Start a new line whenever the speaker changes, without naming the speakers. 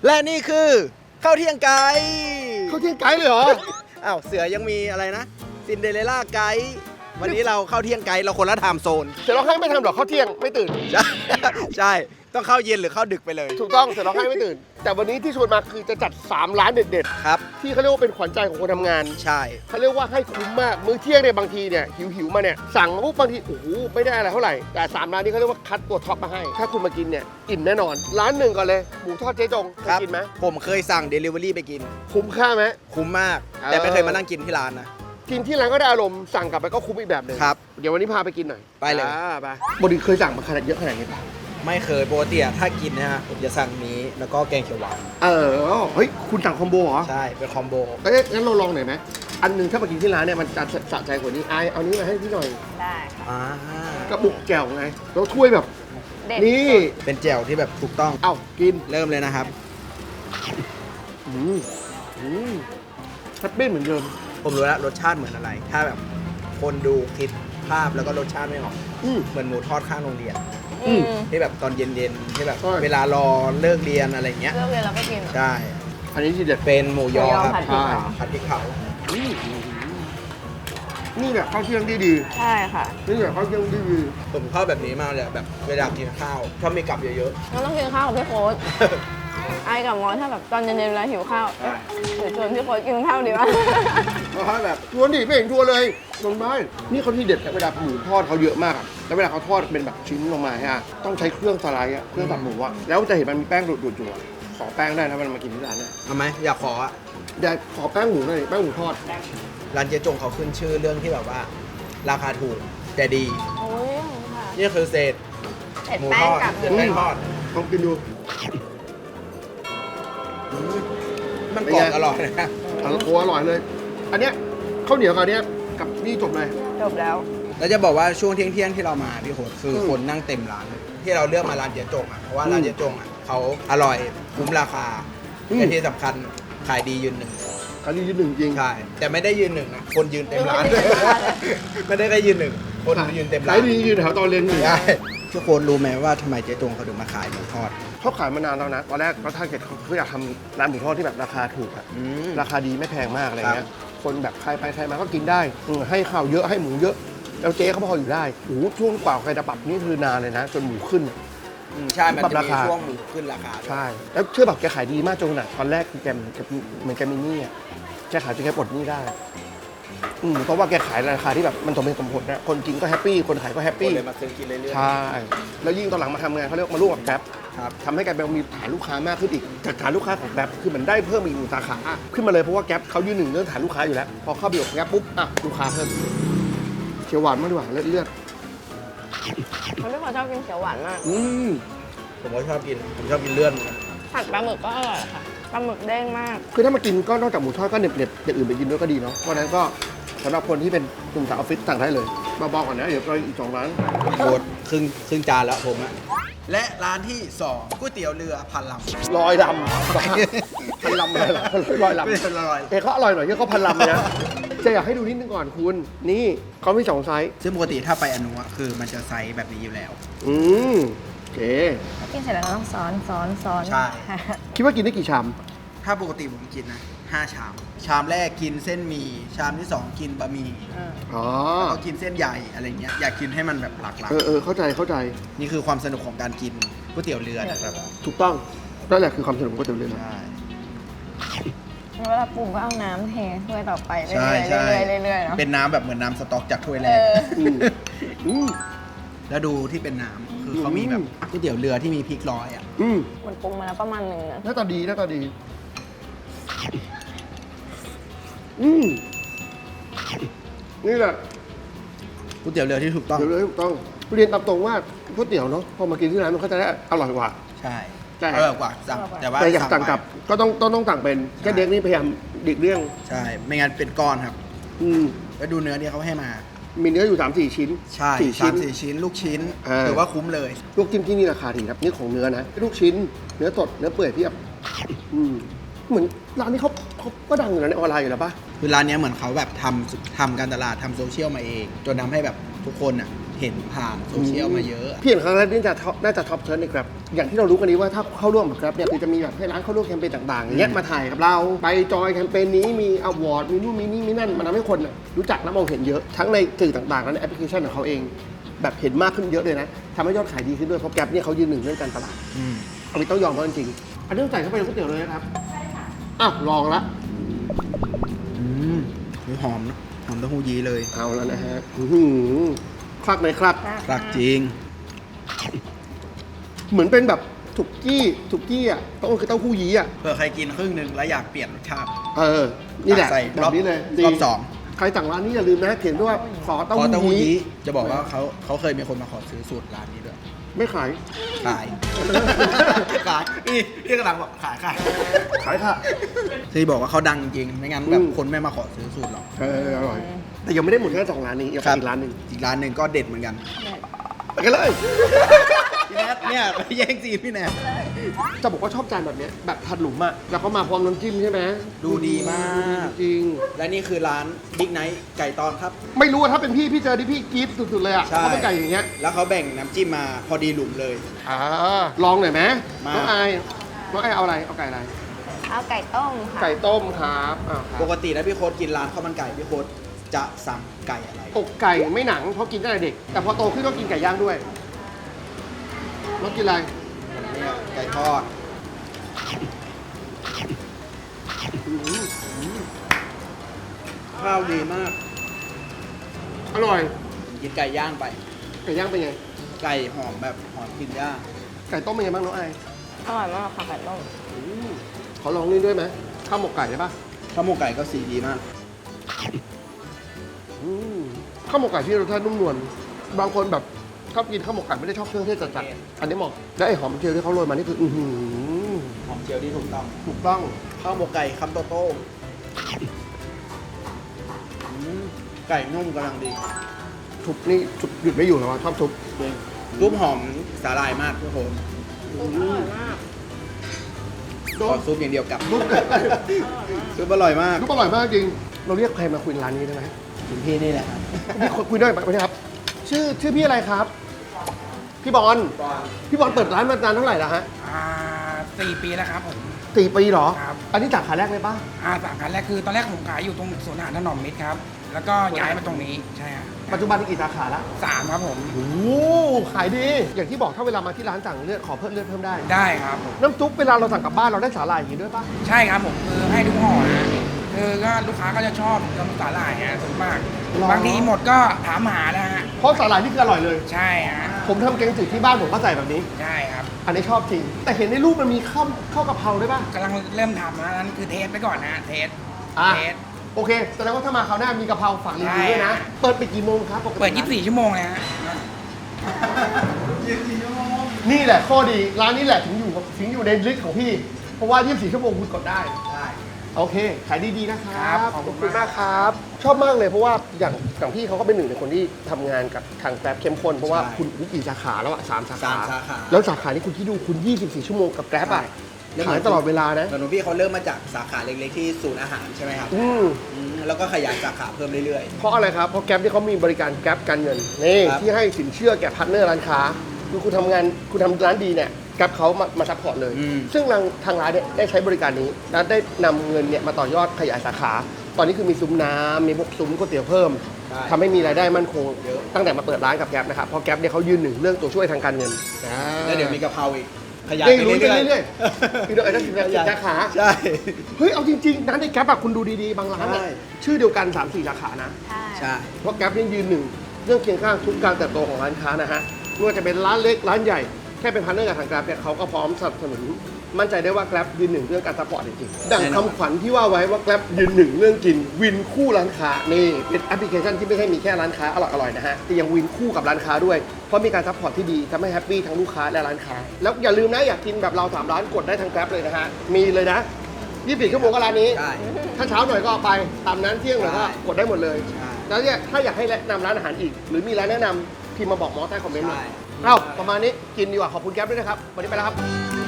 และนี่คือข้าวเที่ยงไก่
เขาเที่ยงไกด์เลยเหรอ
อ้าวเสือยังมีอะไรนะซินเดอเรลล่าไกด์วันนี้เราเข้าเที่ยงไกด์เราคนละไทม์โซน
เสร็จร้องไห้ไม่ทำหรอกเขาเที่ยงไม่ตื่น
ใช่ ใช่ ต้องเข้าเย็นหรือเข้าดึกไปเลย
ถูกต้องเสร็จร้องไห้ไม่ตื่น แต่วันนี้ที่ชวนมาคือจะจัด3ร้านเด็ด
ครับ
ๆที่เขาเรียกว่าเป็นขวัญใจของคนทำงาน
ใช่
เขาเรียกว่าให้คุ้มมากมื้อเที่ยงเนี่ยบางทีเนี่ยหิวมาเนี่ยสั่งมาปุ๊บบางทีโอ้โหไม่ได้อะไรเท่าไหร่แต่3ร้านนี้เขาเรียกว่าคัดตัวท็อปมาให้ ถ้าคุณมากินเนี่ยอิ่มแน่นอน ร้านหนึ่งก่อนเลยหมูทอดเจ๊จงเค
ค
ย
รับ
กินไหม
ผมเคยสั่ง Delivery ไปกิน
คุ้มค่าไหม
คุ้มมาก แต่ไม่เคยมานั่งกินที่ร้านนะ
กินที่ร้านก็ได้อารมณ์สั่งกลับไปก็คุ้มอีกแบบหนึ่ง
ครับ
เดี๋ยววันนี้พาไปกินหน่อย
ไปเลย
ไปบดีเคยสั่งมาขนาดเยอะขนาดนี้ปะ
ไม่เคยปกติอะถ้ากินนะฮะผมจะสั่งนี้แล้วก็แกงเขียวหวาน
เฮ้ยคุณสั่งคอมโบเหรอ
ใช่ เป็นคอมโบ
เอ้ยงั้นเราลองหน่อยไหมอันหนึงถ้ามากินที่ร้านเนี่ยมันจะสะใจกว่านี้เอานี้มาให้พี่หน่อย
ได้ค่ะ
อ่าก
ระปุกแก้วไงแล้วถ้วยแบบ
เด็ด
นี่
สุด
เป็นแจ่วที่แบบถูกต้อง
เอ้ากิน
เริ่มเลยนะครับ
อืมแฮปปี้เหมือนเดิม
ผมรู้แล้วรสชาติเหมือนอะไร ถ้าแบบคนดูคิดภาพแล้วก็รสชาติไม่ออก
อืม
เหมือนหมูทอดข้างโรงเรียน
อืม
ที่แบบตอนเย็นๆที่แบบ
ใช่
เวลารอเลิกเรียนอะไรเงี้ย
เลือกเลยเราก็กิน
ใช่
อันนี้ทีเด็ด
เป็นหมูยอ
หมูยอ
ครับ
ผัดพริกเผา
ผัดพริกเผา
อืมนี่แหละข้าวเที่ยงที่ดี
ใช่ค่ะ
นี่แหละข้าวเที่ยงที่ดี
ผมชอบแบบนี้มากเลยแบบเวลากินข้าวชอบมีกับเยอะ
เราต้องกินข้าวกับพี่โค้ด ไอ้กับมอสถ้าแบบตอนเย็นๆเวลาหิวข้าวเอ๊ะหรือชวนพี่โค้ดกินข้าวดีวะ
เพราะว่าแบบชวนดิไม่เห็นชวนเลยลงได้นี่เขาที่เด็ดเวลาหมูทอดเขาเยอะมากอะแล้วเวลาเขาทอดเป็นแบบชิ้นลงมาฮะต้องใช้เครื่องสไลด์อะเครื่องตัดหมูอะแล้วจะเห็นมันมีแป้งดูดๆอยู่อะขอแป้งได้นะเวลามากินที่ร้านเนี่ย
ๆทำไหมอยากขออะ
เดี๋ยวขอแป้งหมูหน่อยแป้งหมูทอด
ร้านเจ๊จงเขาขึ้นชื่อเรื่องที่แบบว่า ราคาถูกแต่ดี
โอ้ยค่ะ
นี่คือเศษ
เผ็ด
หมู
แป้
ท
ง
อด
กับ
เศษแป้งทอด
ลองกินดู
มันกรอบอร่อยนะ
โอ้อร่อยเลย อันเนี้ยข้าวเหนียวกับอันเนี้ยกับนี่จบเลย
จบแล้ว
แล้วจะบอกว่าช่วงเที่ยงๆที่เรามาพี่โหดคือคนนั่งเต็มร้านเลยที่เราเลือกมาร้านเจ๊จงอ่ะเพราะว่าร้านเจ๊จงอ่ะเขาอร่อยคุ้มราคา
อืม
และที่สำคัญขายดียืนหนึ่ง
ครั้งนี้ยืนหนึ่งจริง
ใช่แต่ไม่ได้ยืนหนึ่งนะคนยืนเต็มร้าน
เออไม่ได้ยืนเต็มร้าน
ไม่ได้ยืนหนึ่งคนยืนเต็มร้า
ขาน ยดียืนแถวตอนเรียนอยู่
ใช่ทุกคนรู้ไหมว่าทำไมเจ๊จงเขาถึงมาขายหมูทอด
เขาขายมานานแล้วนะ ตอนแรกเขาถ้าเกิดเขาอยากทำร้านหมูทอดที่แบบราคาถูกอะ
อืม
ราคาดีไม่แพงมากอะไรเงี้
ครั
ย
บ
คนแบบใครไปใครมาก็กินได้ให้ข้าวเยอะให้หมูเยอะ แล้วเจ๊เขาพออยู่ได้โอ้โหช่วงกว่าใครจะปรับนี่คือนานเลยนะ จนหมูขึ้นอะ
ใช่มัน
ปรับ
จะ
รา
มี
คา
ช่วงหมูขึ้นราคา
ใช่ แล้วเชื่อแบบแกขายดีมากจนขนาดตอนแรกแกเหมือนแกมีหนี้อะแกขายจนแกปลดหนี้ได้เพราะว่าแกขายราคาที่แบบมันสมเหตุสมผลนะคนกินก็แฮปปี้คนขายก็แฮป
คน
ปี้
เลยมาซื้อกินเรื่อย
ใช่ แล้วยิ่งตอนหลังมาทำงานเขาเรียกมาร่วมกับแกร็บ
ๆครับ
ทำให้แกร็บมีฐานลูกค้ามากขึ้นอีกจากฐานลูกค้าของแกร็บคือมันได้เพิ่มอีกหนึ่งสาขาขึ้นมาเลยเพราะว่าแกร็บเขายืนหนึ่งเรื่องฐานลูกค้าอยู่แล้วพอเข้าไปอยู่กับแกร็บปุ๊บอ่ะลูกค้าเพิ่มเขียวหวานมากดีกว่าเลือด
คนพี่โค้ดชอบกินเขียวหวานมาก
ผมก็ชอบกินผมชอบกินเลื่อนเหมือนกัน
ผัดปลาหมึกก็อร่อยค่ะ ปลาหมึกเด้งมาก
คือถ้ามากินก็นอกจากหมูทอดก็เน็บอย่างอื่นไปกินด้วยก็ดีเนาะเพราะฉะนั้นก็สำหรับคนที่เป็นกลุ่มสาวออฟฟิศสั่งได้เลยมาบอกก่อนนะเดี๋ยวเราอีก2 ร้าน
โคตรครึ่งจานแล้วผมอะและร้านที่2ก๋วยเตี๋ยวเรือพันลำ
ลอยลำพันลำเลยเหรอลอยลำ
ไม่เป็นอร่อย
เขาอร่อยหน่อยที่เขาพันลำเลยนะจะอยากให้ดูนิดนึงก่อนคุณนี่เขามี2 ไซส์
ซึ่งปกติถ้าไปอนุอะคือมันจะไซส์แบบนี้อยู่แล้ว
โอเค
กินเสร็จแล้วเราต้องซ้อน
ใช่
คิดว่ากินได้กี่ชาม
ถ้าปกติผมกินนะ5 ชาม ชามแรกกินเส้นหมี่ชามที่ 2 กินบะหมี่
อ๋อ
แล้วก็กินเส้นใหญ่อะไรเงี้ยอยากกินให้มันแบบหลากหลาย
เข้าใจ
นี่คือความสนุกของการกินก๋วยเตี๋ยวเรือนะครับ
ถูกต้องนั่นแหละคือความสนุกของก๋วยเตี๋ยวเรือ
ใช่
เวลาปรุงก็เอาน้ำเทถ้วยต่อไปเรื่
ใช่
อย
ใช่
ๆเรื่อยๆเนาะ
เป็นน้ำแบบเหมือนน้ำสต๊อกจากถ้วยแร
เอก อ
อืม
แล้วดูที่เป็นน้ำคือเขามีแบบก๋วยเตี๋ยวเรือที่มีพริกร้อยอ่ะ
อืม
มันปรุงมาแล้วประมาณหนึ่งนะ
หน้าตาดีนี่แหละ
ก๋วยเตี๋ยวเรือที่ถูกต้อง
เดี๋ยวเลยถูกต้องเรียนตามตรงว่าก๋วยเตี๋ยวเนาะพอมากินที่ร้านมันก็จะได้อร่อยกว่า
ใช่
ใช่
อร่อยกว่าสั่งแต่ว่า
แต่อยากสั่ง
ไป
กลับก็ต้องสั่งเป็นแค่เด็กนี่พยายามดิกเรื่อง
ใช่ ไม่งั้นเป็นก้อนครับ
อืม
แล้วดูเนื้อที่เขาให้มา
มีเนื้ออยู่ 3-4 ชิ้น
ใช่
4 ชิ้น
3-4 ชิ้น ลูกชิ้น
อ่า
ถือว่าคุ้มเลย
ลูกจิ้มที่นี่ราคาดีครับนี่ของเนื้อนะลูกชิ้น เนื้อสดเนื้อเปื่อยเพียบเหมือนร้านนี้เขาก็ดังอยู่นะในออนไลน์อยู่แล้วปะ
คือร้านเนี้ยเหมือนเขาแบบทำการตลาดทำโซเชียลมาเอง จนทำให้แบบทุกคนอ่ะเห็นผ่านโซเชียลมาเยอะ
พี่เห็นครั้งแรกนี่น่าจะท็อปเชิร์ในครับอย่างที่เรารู้กันนี้ว่าถ้าเข้าร่วมกับครับเนี่ยคือจะมีแบบให้ร้านเข้าร่วมแคมเปญต่างๆอย่างเงี้ยมาถ่ายกับเราไปจอยแคมเปญนี้มีอวอร์ดมีนู่นมีนี่มีนั่นมันทำให้คนน่ะรู้จักและมองเห็นเยอะทั้งในสื่อต่างๆและในแอปพลิเคชันของเขาเองแบบเห็นมากขึ้นเยอะเลยนะทำให้ยอดขายดีขึ้นด้วยเพราะแกร็บเนี่ยเขายืนหนึ่งเรื่องการตลาดอันนี้ต้องยอมเขาจริงๆอันนี้ต้องใส่เข้าไปในก๋วยเตี๋ยวเลยนะครับอ้าวลองละ
หอมนะหอมเต้าหู้ยี้เลย
เอาแล้วนะฮะคลักไหมครับ
รักจริง
เหมือนเป็นแบบสุกี้อ่ะต้องคือเต้าหู้ยี้อ่ะ
เผื่อใครกินครึ่งหนึ่งแล้วอยากเปลี่ยนรสชาติ
นี่แหละ
ใส่
แบบนี้เลยดี
รอบสอง
ใครสั่งร้านนี้อย่าลืมนะเขียนด้วยว่าขอ
ข
เต้า
อเต้าหู้
หู้ยี้
ยี้จะบอกว่าเขาเคยมีคนมาขอซื้อสูตรร้านนี้ด้วย
ไม่ขาย
ขาย ขายนี่กำลังบอกขาย
ขายค่ะ
ที่บอกว่าเขาดังจริง ไม่งั้นแบบคนไม่มาขอซื้อสูตรหรอก
อร่อย แต่ยังไม่ได้หมดแค่2ร้านนี้ยังมีอีกร้านหนึ่ง
อีกร้านหนึ่งก็เด็ดเหมือนกัน
ไปกันเลย
พี่แนทเนี่ยไปแย่งซีนพี่แนท
จะบอกว่าชอบจานแบบเนี้ยแบบผัดหลุมอ่ะแล้วเขามาพร้อมน้ำจิ้มใช่ไหม
ดูดีมาก
จริง
และนี่คือร้านบิ๊กไนท์ไก่ตอนครับ
ไม่รู้ว่าถ้าเป็นพี่เจอที่พี่กรี๊ดสุดๆเลยอ่ะ
ใช่
เขาเป็นไก่อย่างเงี้ย
แล้วเขาแบ่งน้ำจิ้มมาพอดีหลุมเลย
ลองหน่อยไหม
มา
น้องไอเอาอะไรเอาไก่อะไร
เอาไก่ต้มค่ะ
ไก่ต้มครับอ้าวครับ
ปกตินะพี่โค้ดกินร้านข้าวมันไก่พี่โค้ดจะสั่งไก่อะไร
อกไก่ไม่หนังเพราะกินตั้งแต่เด็ก แต่พอโตขึ้นก็กินไก่ย่างด้วยน้องกินอะไร
เนี่ยไก่ทอดข้าวดีมาก
อร่อย
กินไก่ย่างไป
ไก่ย่างเป็นไง
ไก่หอมแบบหอมกลินย่าง
ไก่ต้มเป็นไงบ้างน้องไอ
อร่อยมากค่ะไก่ต้ม
ขอลองนี่ด้วยไหมข้าวหมกไก่ได้ปะ
ข้าวหมกไก่ก็สีดีมาก
ข้าวหมกไก่ที่รสชาตินุ่มนวลบางคนแบบชอบกินข้าวหมกไก่ไม่ได้ชอบเครื่องเทศจัดๆอันนี้เหมาะและไอหอมเจียวที่เขาโรยมานี่คือ
หอมเจียวที่ถูกต้อง
ถูกต้อง
ข้าวหมกไก่คำโตไก่นุ่มกำลังดี
ทุบนี่ทุบหยุดไม่อยู่แล้วชอบทุบ
ซุปหอมสาหร่ายมากทุกคน
อร่อยมาก
ขอซุปอย่างเดียวกับ
ทุบ
ซุปอร่อยมาก
ทุบอร่อยมากจริงเราเรียกใครมาคุยร้านนี้ได้ไหม
คุณพี่นี่แหละครับ
พี่คุยด้วยไหมครับ ชื่อพี่อะไรครับ พี่บอลพี่บอลเปิดร้านมานานเท่าไหร่แล้วฮะ
4 ปีแล้วครับผม
4 ปีเหรอ
ครับ
อันนี้สาขาแรกเลยป่ะ
สาขาแรกคือตอนแรกผมขายอยู่ตรงสวนอาหารถนอมมิตรครับ แล้วก็ย้ายมาตรงนี้ใช่ครับ
ปัจจุบันมีกี่สาขาละ
3ครับผม
โอ้ขายดี อย่างที่บอกถ้าเวลามาที่ร้านสั่งเลือดขอเพิ่มเลือดเพิ่มได้
ได้ครับผม
น้ำซุปเวลาเราสั่งกลับบ้านเราได้สาหร่ายอย่างนี้ด้วยป่ะ
ใช่ครับผมคือให้ทุกห่อนะคือก็ลูกค้าก็จะชอบน้ำสาหร่ายฮะส่วนมาก
หรอ
บางทีหมดก็ถามหานะฮะ
เพราะสาหร่ายนี่คืออร่อยเลย
ใช่ฮะ
ผมทำแกงจืดที่บ้านผมก็ใส่แบบนี้
ใช่ครับ
อันนี้ชอบจริง แต่เห็นในรูปมันมีข้าวกะเพราด้วยป่ะ
กำลังเริ่มทำนะนั่นคือเทสไปก่อนนะเทส
อ่ะ
เทส
โอเคแสดงว่าถ้ามาคราวหน้ามีกะเพราฝากรีวิวด้วยนะ
ใช่
เปิดไปกี่โมงครับปกติ
เปิด 24 ชั่วโมงเลยฮะ
นี่แหละข้อดีร้านนี้แหละถึงอยู่ในลิสต์ของพี่ เพราะว่า 24 ชั่วโมงคุณกดได้ โอเค ขายดีๆนะค
ค
รั
รั
บบ
ขอบคุณ
มากครับ ชอบมากเลยเพราะว่าอย่างพี่เขาก็เป็นหนึ่งในคนที่ทำงานกับทางแกร็บเข้มข้นเพราะว่า
ใช่
คุณกี่สาขาแล้วอะ3 สาขา
สามสาขา
แล้วสาขานี้คุณที่ดูคุณ 24 ชั่วโมงกับแกร็บอะขายตลอดเวลานะ
เหมือนพี่เขาเริ่มมาจากสาขาเล็กๆที่ศูนย์อาหารใช่ไหมครับ แล้วก็ขยายสาขาเพิ่มเรื่อย
เพราะอะไรครับ เพราะแกร็บที่เขามีบริการแกร็บการเงินนี่
ครับ
ที่ให้สินเชื่อแก่พาร์ทเนอร์ร้านค้าคือคุณทำร้านดีเนี่ยแกร็บเขามาซัพพอร์ตเลย ซึ่งทางร้านเนี่ยได้ใช้บริการนี้และได้นำเงินเนี่ยมาต่อยอดขยายสาขา ตอนนี้คือมีซุ้มน้ำมีพวกซุ้มก๋วยเตี๋ยวเพิ่ม
ๆใช่
ทำให้มีรายได้มั่นคง
เยอะ
ตั้งแต่มาเปิดร้านกับแกร็บนะครับเพราะแกร็บเนี่ยเขายืนหนึ่งเรื่องตัวช่วยทางการเงิน
แล้วเดี๋ยวมีกะเพราอีก ขยาย
ได้
ไป
รู้
เรื่อย
เรื่อยๆคือโดยไอ้นั่นคือสาขา
ใช่
เฮ้ยเอาจริงๆร้านในแกร็บอะคุณดูดีๆบางร้านอะ
ใช่
ชื่อเดียวกัน 3-4 สาขานะ
ใช่
ใช่
เพราะแกร็บนี่ยืนหนึ่งเรื่องเคียงข้างทุกการเติบโตของร้านค้านะฮะไม่ว่าจะเป็นร้านเล็กร้านใหญ่แค่เป็นพาร์ทเนอร์กับทางแกร็บเนี่ยเขาก็พร้อมสนับสนุนมั่นใจได้ว่าแกร็บยืนหนึ่งเรื่องการซัพพอร์ตจริงๆดังคำขวัญที่ว่าไว้ว่าแกร็บยืนหนึ่งเรื่องกินวินคู่ร้านค้านี่เป็นแอปพลิเคชันที่ไม่ใช่มีแค่ร้านค้าอร่อยๆนะฮะแต่ยังวินคู่กับร้านค้าด้วยเพราะมีการซัพพอร์ตที่ดีทำให้แฮปปี้ทั้งลูกค้าและร้านค้าแล้วอย่าลืมนะอยากกินแบบเรา3 ร้านกดได้ทางแกร็บเลยนะฮะมีเลยนะ24 ชั่วโมงก็ร้านนี้
ใช่
ถ้าเช้าหน่อยก็เอาไปตามนั้นเที่ยงหน่อยก็
ใช่
กดได้หมดเลย
ใช่
แล้วเนี่ยถ้าอยากให้แนะนำร้านอาหารอีก หรือมีร้านแนะนำพิมพ์มาบอกหมอใต้คอมเมนต์หน่อย
ใช่
เอ้าประมาณนี้กินดีกว่าขอบคุณแก๊ปด้วยนะครับวันนี้ไปแล้วครับ